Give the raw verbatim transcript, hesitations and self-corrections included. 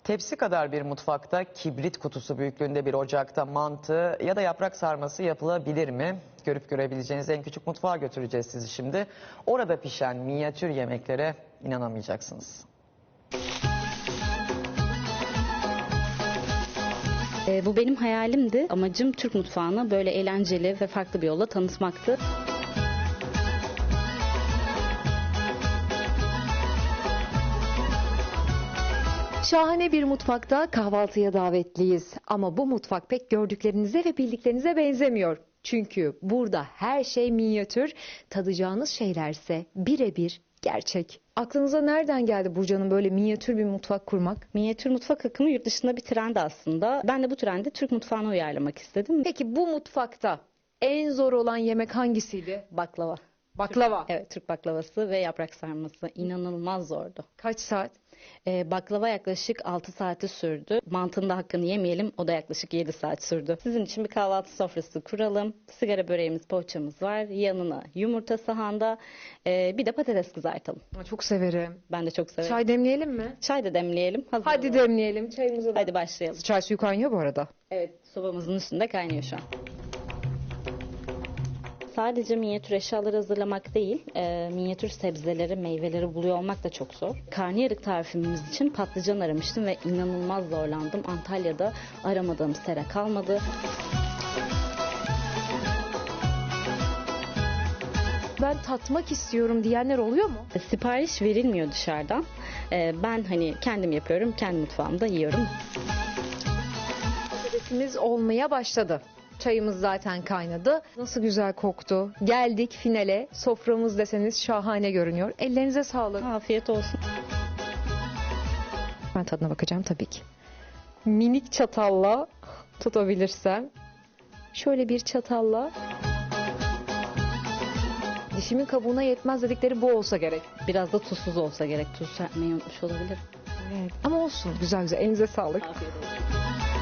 Tepsi kadar bir mutfakta kibrit kutusu büyüklüğünde bir ocakta mantı ya da yaprak sarması yapılabilir mi? Görüp görebileceğiniz en küçük mutfağa götüreceğiz sizi şimdi. Orada pişen minyatür yemeklere inanamayacaksınız. E, bu benim hayalimdi. Amacım Türk mutfağını böyle eğlenceli ve farklı bir yolla tanıtmaktı. Şahane bir mutfakta kahvaltıya davetliyiz. Ama bu mutfak pek gördüklerinize ve bildiklerinize benzemiyor. Çünkü burada her şey minyatür, tadacağınız şeylerse birebir gerçek. Aklınıza nereden geldi Burcu Hanım böyle minyatür bir mutfak kurmak? Minyatür mutfak akımı yurt dışında bir trend aslında. Ben de bu trendi Türk mutfağına uyarlamak istedim. Peki bu mutfakta en zor olan yemek hangisiydi? Baklava. Baklava. Evet, Türk baklavası ve yaprak sarması inanılmaz zordu. Kaç saat? Ee, baklava yaklaşık altı saati sürdü. Mantının da hakkını yemeyelim, o da yaklaşık yedi saat sürdü. Sizin için bir kahvaltı sofrası kuralım. Sigara böreğimiz, poğaçamız var. Yanına yumurta sahanda, ee, bir de patates kızartalım. Çok severim. Ben de çok severim. Çay demleyelim mi? Çay da demleyelim. Hazır Hadi olalım. demleyelim çayımızı da. Hadi başlayalım. Çay suyu kaynıyor bu arada. Evet, sobamızın üstünde kaynıyor şu an. Sadece minyatür eşyaları hazırlamak değil, e, minyatür sebzeleri, meyveleri buluyor olmak da çok zor. Karnıyarık tarifimiz için patlıcan aramıştım ve inanılmaz zorlandım. Antalya'da aramadığım sera kalmadı. Ben tatmak istiyorum diyenler oluyor mu? E, sipariş verilmiyor dışarıdan. E, ben hani kendim yapıyorum, kendi mutfağımda yiyorum. Patatesimiz olmaya başladı. Çayımız zaten kaynadı. Nasıl güzel koktu. Geldik finale. Soframız deseniz şahane görünüyor. Ellerinize sağlık. Afiyet olsun. Ben tadına bakacağım tabii ki. Minik çatalla tutabilirsem. Şöyle bir çatalla. Dişimin kabuğuna yetmez dedikleri bu olsa gerek. Biraz da tuzsuz olsa gerek. Tuz serpmeyi unutmuş olabilir. Evet. Ama olsun. Güzel güzel. Elinize sağlık. Afiyet olsun.